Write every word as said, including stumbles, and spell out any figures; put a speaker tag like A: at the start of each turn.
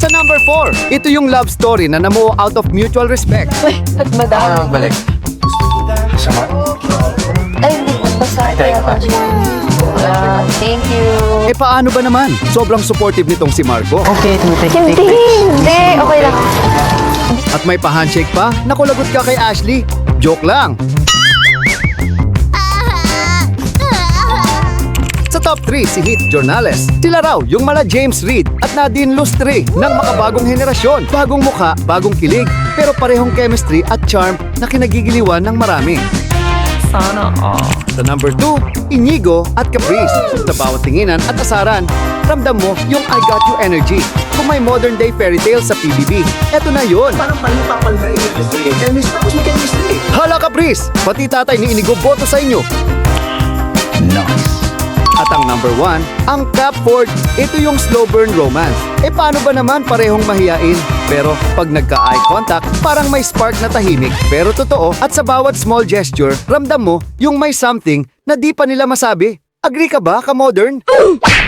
A: Sa number four, ito yung love story na namuo out of mutual respect.
B: Uy, at madami.
C: balik. Sama.
B: Ay, hindi ko basa.
C: Tayo ka.
B: Ah, thank you.
A: Eh paano ba naman? Sobrang supportive nitong si Marco.
C: Okay, tumitik.
B: Hindi, hindi. Okay lang.
A: At may pa-handshake pa, nakulagot ka kay Ashley. Joke lang. Sa top three, si Heath Jornales. Sila raw yung mala James Reid at Nadine Lustre ng makabagong henerasyon. Bagong mukha, bagong kilig, pero parehong chemistry at charm na kinagigiliwan ng marami.
C: Sana all.
A: Sa number two, Inigo at Caprice. Sa bawat tinginan at asaran, ramdam mo yung I got you energy. Kung may modern day fairy tale sa P B B, eto na yun.
D: Parang palipapal na chemistry. Chemistry, tapos may chemistry.
A: Hala Caprice, pati tatay ni Inigo boto sa inyo.
C: Nice.
A: At ang number one, ang Capford. Ito yung slow burn romance. E paano ba naman parehong mahiyain? Pero pag nagka-eye contact, parang may spark na tahimik. Pero totoo, at sa bawat small gesture, ramdam mo yung may something na di pa nila masabi. Agree ka ba, ka-modern?